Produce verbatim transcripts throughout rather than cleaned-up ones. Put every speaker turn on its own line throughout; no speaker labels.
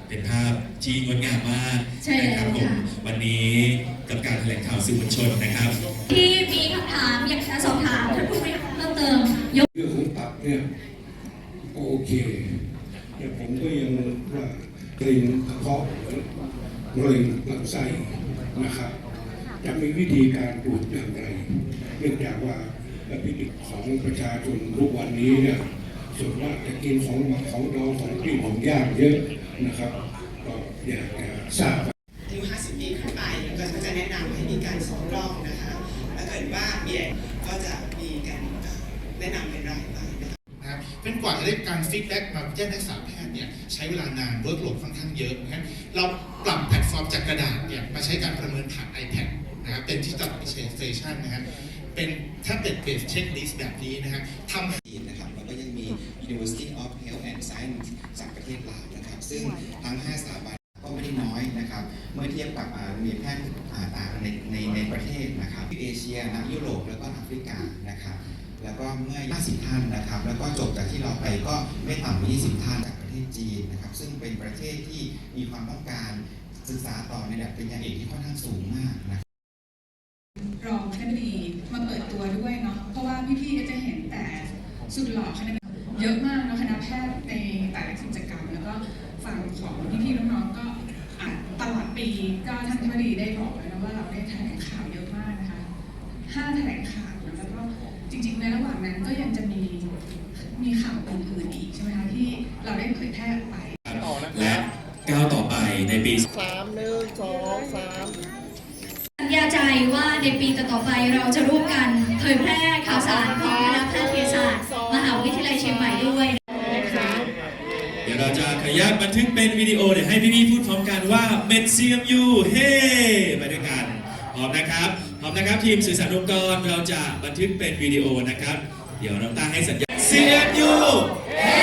เป็นภาพที่งดงามมากนะครับผมวันนี้กับการแถลงข่าวสื่อมวลชนนะครับ
ที่มีคำถามอยากจะสอบถามท่านผู้บริหารเพิ่มเติม
ยกเรื่องของตับเนี่ยโอเคแต่ผมก็ยังว่าเกร็งกระเพาะเกร็งลำไส้นะครับจะมีวิธีการตรวจอย่างไรเนื่องจากว่าพิธีของประชาชนทุกวันนี้เนี่ยส่วนมากจะกินของหมักของดองของกินของย่างเยอะนะครับก็อยากจะทราบ
อายุห้าสิบปีขึ้นไปก็จะแนะนำให้มีการสองรอบนะคะถ้าเกิดว่ามีก็จะมีการแนะนำเป็นรายไป
นะครับเป็นกว่าจะได้การฟีดแบ็กมาแจ้งนักศึกษาแพทย์เนี่ยใช้เวลานานเวิร์กโหลดค่อนข้างเยอะนะครับเราปรับแพลตฟอร์มจากกระดาษเนี่ยมาใช้การประเมินผ่าน iPad นะครับเป็น Digital Station นะครับเป็นแท็บเล็ตเบสเช็คลิสต์แบบนี้นะครับทำให้
นะครับแล้วก็ยังมี University of Health and Science จากประเทศลาวนะครับซึ่งทั้งห้าสถาบันก็ไม่ได้น้อยนะครับเมื่อเทียบกับโรงเรียนแพทย์ต่างๆในในในประเทศนะครับที่เอเชียนะยุโรปแล้วก็แอฟริกานะครับแล้วก็เมื่อห้าสิบท่านนะครับแล้วก็จบจากที่เราไปก็ไม่ต่ำกว่ายี่สิบท่านจากประเทศจีนนะครับซึ่งเป็นประเทศที่มีความต้องการศึกษาต่อในระดับปริญญาเอกที่ค่อนข้างสูงมากนะ
รองคณบดีมาเปิดตัวด้วยเนาะเพราะว่าพี่ๆก็จะเห็นแต่สุดหล่อคณะเยอะมากเนาะคณะแพทย์ในแต่ละกิจกรรมแล้วก็ฝั่งของพี่ๆน้องๆก็ตลอดปีก็ท่านคณบดีได้บอกเลยนะว่าเราได้แถลงข่าวเยอะมากนะคะห้าแถลงข่าวแล้วก็จริงๆในระหว่างนั้นก็ยังจะมีมีข่าวอื่นๆอีกใช่ไหมคะที่เราได้เผยแพร่ไป
และก้าวต่อไปในปี
สามหนึ่งสองสาม
สัญญาใจว่าในปีต่อๆไปเราจะร่วมกันเผยแพร่ข่าวสารของคณะแพทยศาสตร์มหาวิทยาลัยเชียงใหม่ด้วย
เดี๋ยวเราจะขยับบันทึกเป็นวิดีโอเดี๋ยวให้พี่ๆพูดพร้อมกันว่าเมด ซี เอ็ม ยู เฮ้ไปด้วยกันพร้อมนะครับพร้อมนะครับทีมสื่อสารองค์กรเราจะบันทึกเป็นวิดีโอนะครับเดี๋ยวน้องต้าให้สัญญาณ ซี เอ็ม ยู เฮ้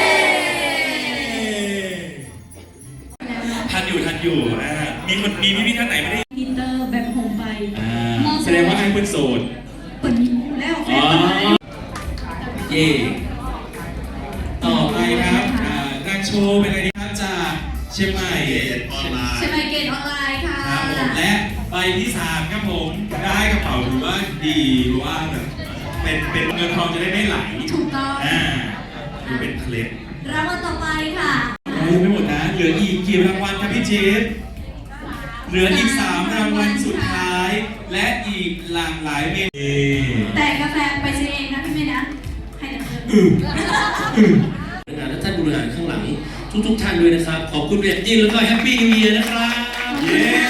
ทันอยู่ทันอยู่อ่ามีคนมีพี่ๆท่านไหนไม่ได้
อินเตอร์แบบโฮมไป
แสดงว่าไอ้เพิ่นโสด
เปิดแล้วแฟน
เย่ต่อไปครับนางโชว์เป็นอะไรดีครับจากเชียงใหม่ออนไลน์
เชียงใหม่เกตออนไลน์ค่ะ
ครับผมและใบที่สามครับผมได้กระเป๋าหรือว่าดีหรือว่าแบบเป็นเป็นเงินทองจะได้ไม่ไหล
ถูกต้อง
อ่าดูเป็นเคล็ด
รางวัลต่อไปค่ะ
ยังไม่หมดนะเหลืออีกกี่รางวัลครับพี่เจฟเหลืออีกสามรางวัลสุดท้ายและอีกหลากหลายเมนู
แต่กาแฟไปซื้อเองนะพี่เมย์นะให้ดำเนิน
และท่านบริหารข้างหลังทุกๆท่านด้วยนะครับขอบคุณเรียนยิ่งแล้วก็แฮปปี้นิวเยียร์นะครับ